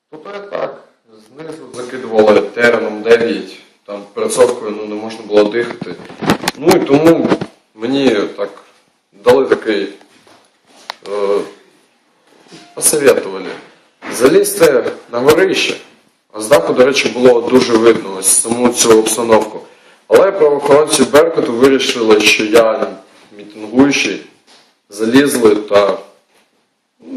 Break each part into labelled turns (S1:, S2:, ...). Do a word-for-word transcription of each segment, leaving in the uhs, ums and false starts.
S1: Тобто так, знизу закидували тереном дев'ять, там перцовкою ну, не можна було дихати. Ну і тому мені так дали такий, е, посоветували залізти на горище. А з даху, до речі, було дуже видно ось саму цю обстановку. Але правоохоронці Беркуту вирішили, що я мітингуючий, залізли та ну,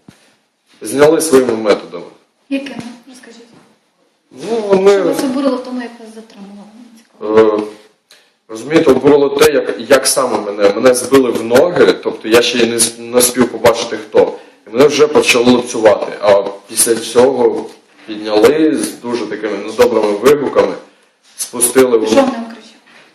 S1: зняли своїми методами.
S2: Якими? Розкажіть.
S1: Ну, вони...
S2: Що вас обурило в тому, як вас затримували?
S1: Е, розумієте, обурило те, як, як саме мене. Мене збили в ноги, тобто я ще й не, не спів побачити хто. І мене вже почали лупцювати. А після цього підняли з дуже такими недобрими вигуками, спустили в...
S2: Що вони вам кричали?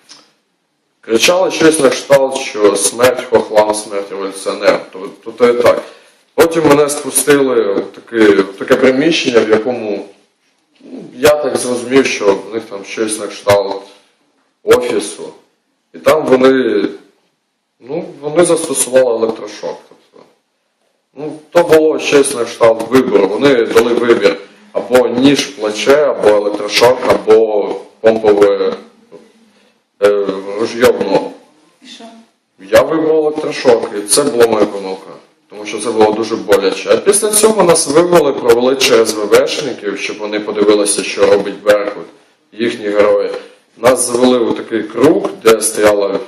S1: Кричали щось на кшталт, що смерть хохлам, смерть революціонерам. Тобто то і так. Потім мене спустили в таке, в таке приміщення, в якому ну, я так зрозумів, що в них там щось на кшталт офісу. І там вони, ну, вони застосували електрошок. Тобто, ну, то було щось на кшталт вибору. Вони дали вибір або ніж в плече, або електрошок, або помпове е, ружьє в ногу.
S2: І що?
S1: Я вибрав електрошок, і це була моя помилка. Тому що це було дуже боляче. А після цього нас вивели, провели через ВВшників, щоб вони подивилися, що робить Беркут, їхні герої. Нас завели у такий круг, де стояло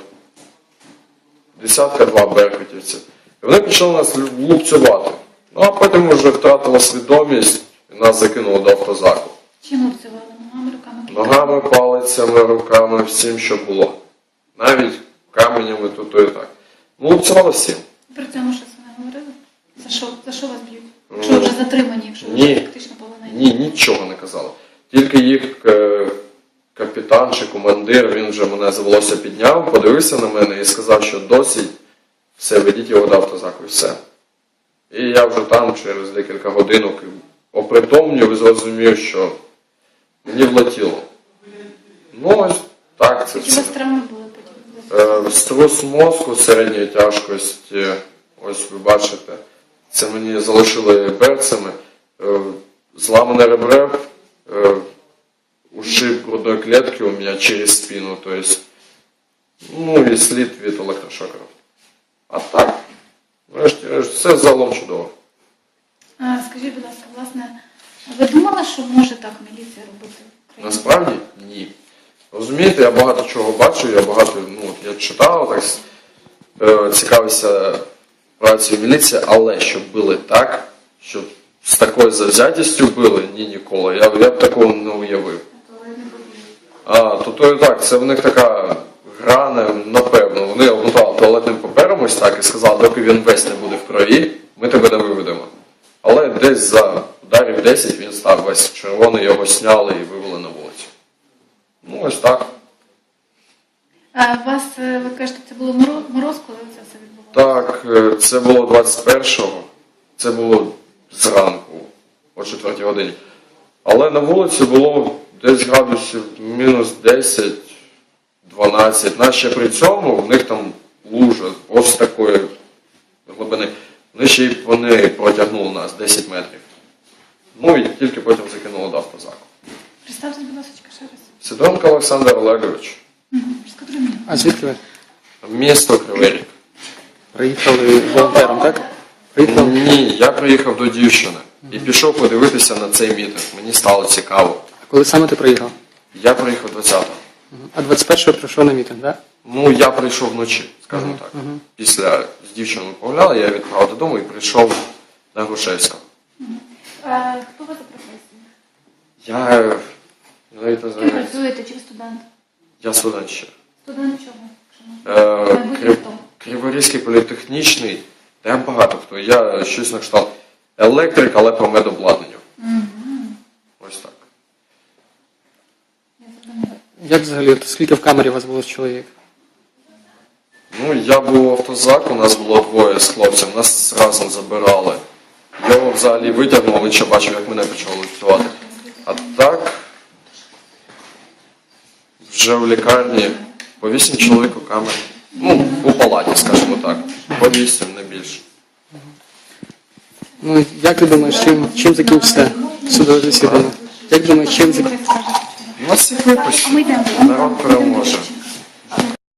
S1: десятка два беркутівців. І вони почали нас лупцювати. Ну а потім ми вже втратили свідомість і нас закинули до автозаку.
S2: Чим обзивали? Ногами, руками?
S1: Ногами, палицями, руками, всім, що було. Навіть каменями тут і так. Ну, лупцювали всім.
S2: При цьому щось вони говорили? За що, за що вас б'ють? Якщо ви вже затримані, якщо ви
S1: Ні.
S2: вже фактично полонені?
S1: Ні, нічого не казали. Тільки їх е, капітан чи командир, він вже мене за волосся підняв, подивився на мене і сказав, що досить, все, ведіть його до автозаку і все. І я вже там через декілька годинок опритомнів і зрозумів, що мені влетіло. Ну ось так це
S2: Які у вас
S1: все.
S2: травми були потім?
S1: Е, струс мозку середньої тяжкості, ось ви бачите, це мені залишили берцями, е, зламане ребре, е, ушиб грудної клетки у меня через спину, то есть, ну і слід від електрошокерів. А так, врешті, все загалом чудово.
S2: А, скажіть, будь ласка, власне, ви думали, що може так міліція робити в Україні?
S1: Насправді ні. Розумієте, я багато чого бачу, я багато, ну, от я читав, так, е, цікавився працею міліції, але щоб били так, щоб з такою завзятістю били, ні, ніколи. Я, я б такого не уявив. А, то то і так, це в них така гра, напевно. Вони обмотали туалетним папером ось так і сказали, доки він весь не буде в крові, ми тебе не виведемо. Але десь за ударів десять він став весь червоний, його сняли і вивели на вулицю. Ну, ось так.
S2: А у вас, е, ви кажете, це було мороз, мороз, коли це все відбувалося?
S1: Так, е, це було двадцять першого, це було зранку, о четвертій годині. Але на вулиці було десь градусів мінус десять дванадцять. Наче при цьому в них там лужа ось такої глибини. Вони ще й вони протягнули нас десять метрів. Ну і тільки потім закинули до автозаку.
S2: Представте, будь ласка, ще раз.
S1: Сидоренко Олександр Олегович.
S2: Угу. Розкажи мені.
S3: А звідки ви?
S1: Місто Кривий Ріг.
S3: Приїхали волонтером, так? Приїхали?
S1: Ні, я приїхав до дівчини і пішов подивитися на цей мітинг. Мені стало цікаво.
S3: А коли саме ти приїхав?
S1: Я приїхав двадцятого.
S3: А двадцять першого прийшов на мітинг, так?
S1: Ну, я прийшов вночі, скажімо так. Після з дівчиною погуляли, я відправив додому і прийшов на Грушевського.
S2: А хто ви за професія?
S1: Я, я навіть не
S2: Ким
S1: знаю,
S2: працюєте? Чи ви студент?
S1: я студент ще.
S2: Студент чого?
S1: Е,
S2: Майбутнє
S1: Крив-
S2: хто?
S1: Криворізький політехнічний, та я багато хто. Я щось на кшталт електрик, але по медобладнанню. Ось так.
S2: Я зрозуміла.
S3: Як взагалі, от скільки в камері у вас було чоловік?
S1: Ну, я був в автозаку, у нас було двоє з хлопцем, нас разом забирали. Його взагалі витягнув, він ще бачив, як мене почали лупцювати. А так, вже в лікарні по вісім чоловік у камері. Ну, у палаті, скажімо так. По вісім, не більше.
S3: Ну, як ти думаєш, чим, чим закінчиться Судове засідання. Як думаєш, чим
S2: Що
S3: зак-
S2: ви скажете?
S1: Ну, всіх випустять.
S2: А ми йдемо.
S1: Народ переможе.